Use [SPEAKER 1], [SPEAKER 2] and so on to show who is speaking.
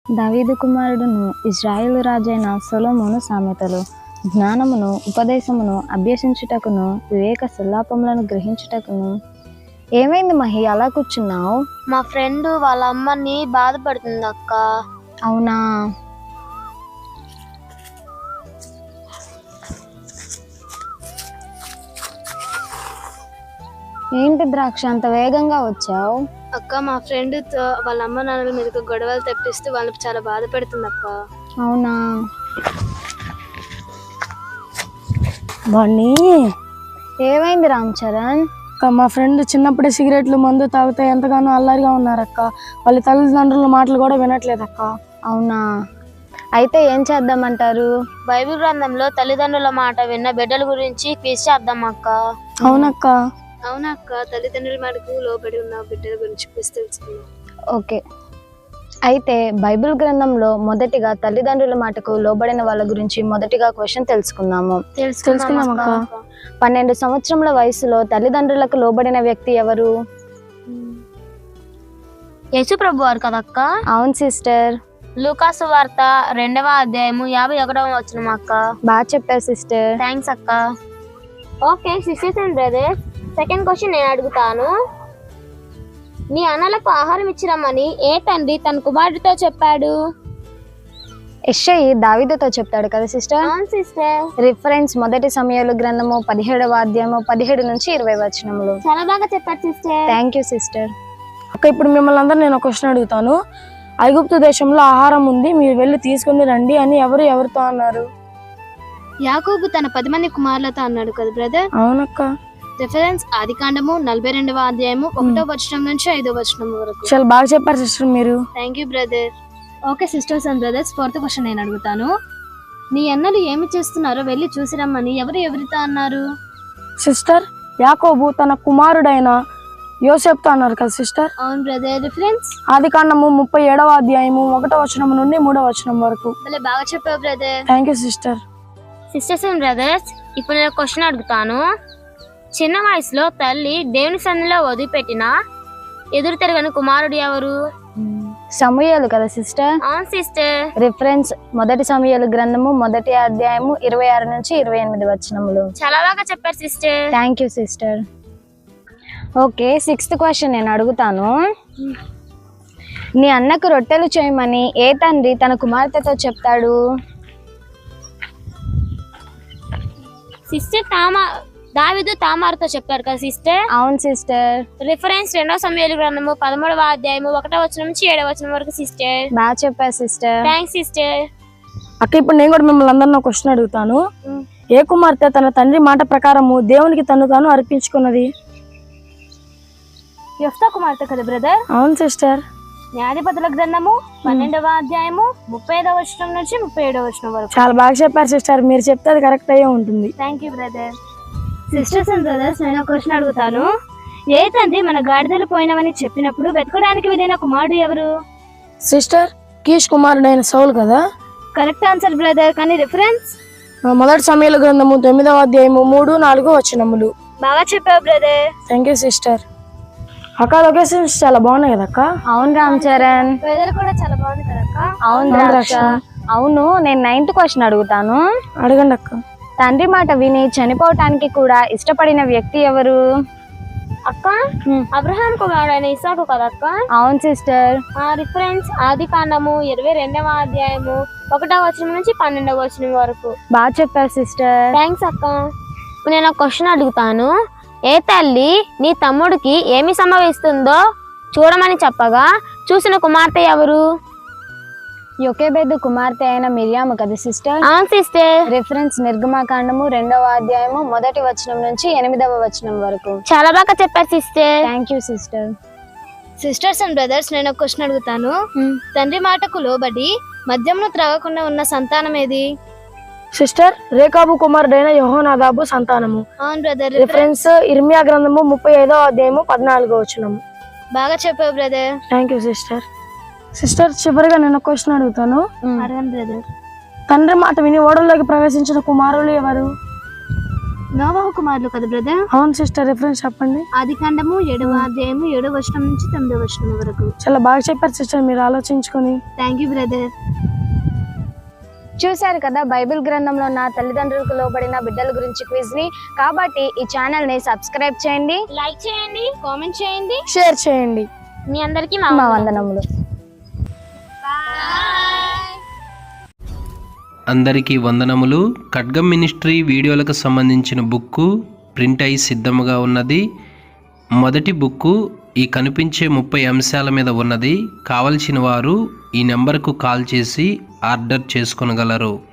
[SPEAKER 1] దావీదు కుమారుడును ఇశ్రాయేలు రాజైన సొలొమోను సామెతలు. జ్ఞానమును ఉపదేశమును అభ్యసించుటకును వివేక సల్లాపములను గ్రహించుటకును. ఏమైంది మహి, అలా కూర్చున్నావు?
[SPEAKER 2] మా ఫ్రెండ్ వాళ్ళ అమ్మని బాధపడుతుంది అక్క.
[SPEAKER 1] అవునా? ఏంటి ద్రాక్ష, అంత వేగంగా వచ్చావు?
[SPEAKER 2] అక్క, మా ఫ్రెండ్ వాళ్ళ అమ్మ నాన్నల మీదకి గొడవలు తెప్పిస్తూ వాళ్ళని చాలా బాధపడుతుంది అక్క.
[SPEAKER 1] అవునా?
[SPEAKER 3] వాణ్ణి
[SPEAKER 1] ఏమైంది రామ్ చరణ్?
[SPEAKER 3] అక్క, మా ఫ్రెండ్ చిన్నప్పుడే సిగరెట్లు మందు తాగితే ఎంతగానో అల్లరిగా ఉన్నారక్క. వాళ్ళ తల్లిదండ్రుల మాటలు కూడా వినట్లేదు అక్క.
[SPEAKER 1] అవునా? అయితే ఏం చేద్దామంటారు?
[SPEAKER 2] బైబిల్ గ్రంథంలో తల్లిదండ్రుల మాట విన్న బిడ్డల గురించి క్విజ్ చేద్దాం అక్క.
[SPEAKER 3] అవునక్క.
[SPEAKER 2] అవునక్క, తల్లిదండ్రుల మాటకు లోబడి ఉన్న బిడ్డల గురించి క్విజ్ తెలుసుకుందాం.
[SPEAKER 1] ఓకే, అయితే బైబిల్ గ్రంథంలో మొదటిగా తల్లిదండ్రుల మాటకు లోబడిన వాళ్ళ గురించి మొదటిగా క్వశ్చన్ తెలుసుకుందాము. 12 సంవత్సరముల వయసులో తల్లిదండ్రులకు లోబడిన వ్యక్తి ఎవరు?
[SPEAKER 2] యేసు ప్రభు వారు కదక్క.
[SPEAKER 1] అవును సిస్టర్.
[SPEAKER 2] లూకాసు వార్త 2వ అధ్యాయము 51వ వచనం అక్క.
[SPEAKER 1] బాగా చెప్పారు సిస్టర్.
[SPEAKER 2] థ్యాంక్స్ అక్క. Okay sisters and brothers, second question నేను అడుగుతాను. నీ అన్నలకు ఆహారం ఇచ్చిరమ్మని ఏ తండ్రి తన కుమారుడితో చెప్పాడు?
[SPEAKER 1] యెషయి దావీదుతో చెప్తాడు కదా సిస్టర్.
[SPEAKER 2] అవును సిస్టర్.
[SPEAKER 1] రిఫరెన్స్ మొదటి సమూయేలు గ్రంథము 17వ అధ్యాయము 17 నుంచి 20 వచనములు.
[SPEAKER 2] చాలా బాగా చెప్పారు సిస్టర్.
[SPEAKER 1] Thank you sister.
[SPEAKER 3] అక్క, ఇప్పుడు మిమ్మల్ని అందరూ నేను ఒక క్వశ్చన్ అడుగుతాను. ఐగుప్తు దేశంలో ఆహారం ఉంది, మీరు వెళ్ళి తీసుకుని రండి అని ఎవరితో అన్నారు?
[SPEAKER 2] యాకోబు తన 10 మంది కుమారులతో అన్నాడు కదా బ్రదర్.
[SPEAKER 3] అవునక్క.
[SPEAKER 2] రిఫరెన్స్ ఆదికాండము 42వ అధ్యాయము 1వ వచనం నుంచి 5వ వచనం వరకు.
[SPEAKER 3] చాలా బాగా చెప్పారు సిస్టర్ మీరు.
[SPEAKER 2] Thank you brother. Okay sisters and brothers, fourth question నేను అడుగుతాను. నీ అన్నలు ఏమి చేస్తున్నారో వెళ్ళి చూసిరమ్మని ఎవరితో అన్నారు?
[SPEAKER 3] సిస్టర్, యాకోబు తన కుమారుడైన యోసేపుతో అన్నారు కదా సిస్టర్.
[SPEAKER 2] అవును బ్రదర్. రిఫరెన్స్
[SPEAKER 3] ఆదికాండము 37వ అధ్యాయము 1వ వచనం నుండి 3వ వచనం వరకు.
[SPEAKER 2] భలే బాగా చెప్పావు brother.
[SPEAKER 3] Thank you sister.
[SPEAKER 2] Sisters and brothers, ఇప్పుడు నేను క్వశ్చన్ అడుగుతాను. చిన్న వయసులో తల్లి దేవుని సన్నిధిలో వదిలిపెట్టిన ఎదురు తిరగని కుమారుడు ఎవరు?
[SPEAKER 1] సమూయేలు కదా సిస్టర్.
[SPEAKER 2] అవును సిస్టర్.
[SPEAKER 1] రిఫరెన్స్ మొదటి సమూయేలు గ్రంథము 1వ అధ్యాయము 26 నుంచి 28 వచనములు.
[SPEAKER 2] చాలా బాగా చెప్పారు sister.
[SPEAKER 1] Thank you sister. Okay, 6th question నేను అడుగుతాను. నీ అన్నకు రొట్టెలు చేయమని ఏ తండ్రి తన కుమార్తెతో చెప్తాడు?
[SPEAKER 2] సిస్టర్ దావీదు తామారుతో చెప్పారు కదా సిస్టర్.
[SPEAKER 1] అవును సిస్టర్.
[SPEAKER 2] రిఫరెన్స్ 2వ సమూయేలు గ్రంథము 13వ అధ్యాయము 1వ వచనం నుంచి 7వ వచనం వరకు సిస్టర్.
[SPEAKER 1] బాగా చెప్పారు సిస్టర్.
[SPEAKER 2] Thanks sister.
[SPEAKER 3] అక్క, ఇప్పుడు నేను కూడా మిమ్మల్ని అందరినీ క్వశ్చన్ అడుగుతాను. ఏ కుమార్తె తన తండ్రి మాట ప్రకారము దేవునికి తాను అర్పించుకున్నది?
[SPEAKER 2] యెఫ్తా కుమార్తె కదా బ్రదర్.
[SPEAKER 3] అవును సిస్టర్.
[SPEAKER 2] న్యాయాధిపతుల గ్రంథము 12వ అధ్యాయము 35వ వచనం నుంచి 37వ వచనం వరకు.
[SPEAKER 3] చాలా బాగా చెప్పారు సిస్టర్, మీరు చెప్తే అది కరెక్ట్ అయ్యే ఉంటుంది.
[SPEAKER 2] Thank you brother. Sisters and brothers, నేను క్వశ్చన్ అడుగుతాను. ఏ తండ్రి మన గాడిదలు పోయినవని చెప్పినప్పుడు వెతకడానికి వెళ్ళిన కుమారుడు ఎవరు?
[SPEAKER 3] సిస్టర్, కీష్ కుమారుడైన సౌలు కదా.
[SPEAKER 2] Correct answer brother. కానీ రిఫరెన్స్
[SPEAKER 3] మొదటి సమూయేలు గ్రంథము 9వ అధ్యాయము 3, 4 వచనములు.
[SPEAKER 2] బాగా చెప్పావు బ్రదర్.
[SPEAKER 3] Thank you sister. అక్క, లొకేషన్స్ చాలా బాగున్నాయి కదా అక్క.
[SPEAKER 1] అవును రామ్ చరణ్.
[SPEAKER 2] వెదర్ కూడా చాలా బాగుంది కదా అక్క.
[SPEAKER 1] అవును ద్రాక్ష. అవును, నేను 9th క్వశ్చన్ అడుగుతాను.
[SPEAKER 3] అడగండి అక్క.
[SPEAKER 1] తండ్రి మాట విని చనిపోవటానికి కూడా ఇష్టపడిన వ్యక్తి ఎవరు?
[SPEAKER 2] అక్క, అబ్రహాం కుమారుడైన ఇస్సాకు కదా అక్క.
[SPEAKER 1] అవును సిస్టర్.
[SPEAKER 2] రిఫరెన్స్ ఆదికాండము 22వ అధ్యాయము 1వ వచనం నుంచి 12వ వచనం వరకు.
[SPEAKER 1] బాగా చెప్పారు సిస్టర్.
[SPEAKER 2] థ్యాంక్స్ అక్క. నేను ఒక క్వశ్చన్ అడుగుతాను. ఏ తల్లి నీ తమ్ముడికి ఏమి సంభవిస్తుందో చూడమని చెప్పగా చూసిన కుమార్తె ఎవరు?
[SPEAKER 1] యొకేబెదు కుమార్తె అయిన మిరియాము కదా సిస్టర్.
[SPEAKER 2] అవును సిస్టర్.
[SPEAKER 1] రిఫరెన్స్ నిర్గమాకాండము 2వ అధ్యాయము 1వ వచనం నుంచి 8వ వచనం వరకు.
[SPEAKER 2] చాలా బాగా చెప్పారు sister.
[SPEAKER 1] Thank you sister.
[SPEAKER 2] Sisters and brothers, నేను ఒక క్వశ్చన్ అడుగుతాను. తండ్రి మాటకు లోబడి మద్యమును త్రాగకుండా ఉన్న సంతానం ఏది?
[SPEAKER 3] సిస్టర్, రేకాబు కుమారుడైన యెహోనాదాబు సంతానము.
[SPEAKER 2] అవును బ్రదర్.
[SPEAKER 3] రిఫరెన్స్ ఇర్మియా గ్రంథము 35వ అధ్యాయము 14వ వచనము.
[SPEAKER 2] బాగా చెప్పావు brother.
[SPEAKER 3] Thank you sister. Sister, చివరిగా నేను క్వశ్చన్ అడుగుతాను.
[SPEAKER 2] అడగండి బ్రదర్.
[SPEAKER 3] తండ్రి మాట విని ఓడల్లోకి ప్రవేశించిన కుమారులు ఎవరు?
[SPEAKER 2] నోవహు కుమారులు కదా బ్రదర్?
[SPEAKER 3] అవును సిస్టర్, రిఫరెన్స్ చెప్పండి.
[SPEAKER 2] ఆదికాండము 7వ అధ్యాయము 7వ వచనం నుంచి 9వ వచనం వరకు.
[SPEAKER 3] చాలా బాగా చెప్పారు సిస్టర్, మీరు ఆలోచించుకొని.
[SPEAKER 2] Thank you brother.
[SPEAKER 1] చూశారు కదా బైబిల్ గ్రంథంలో ఉన్న తల్లిదండ్రులకు లోబడిన బిడ్డల గురించి క్విజ్ ని. కాబట్టి ఈ ఛానల్ ని సబ్స్క్రైబ్ చేయండి,
[SPEAKER 2] లైక్ చేయండి, కామెంట్ చేయండి,
[SPEAKER 3] షేర్ చేయండి.
[SPEAKER 2] మీ అందరికీ
[SPEAKER 1] మా వందనములు.
[SPEAKER 4] అందరికీ వందనములు. ఖడ్గం మినిస్ట్రీ వీడియోలకు సంబంధించిన బుక్కు ప్రింట్ అయి సిద్ధముగా ఉన్నది. మొదటి బుక్కు ఈ కనిపించే 30 అంశాల మీద ఉన్నది. కావలసిన వారు ఈ నెంబర్కు కాల్ చేసి ఆర్డర్ చేసుకొనగలరు.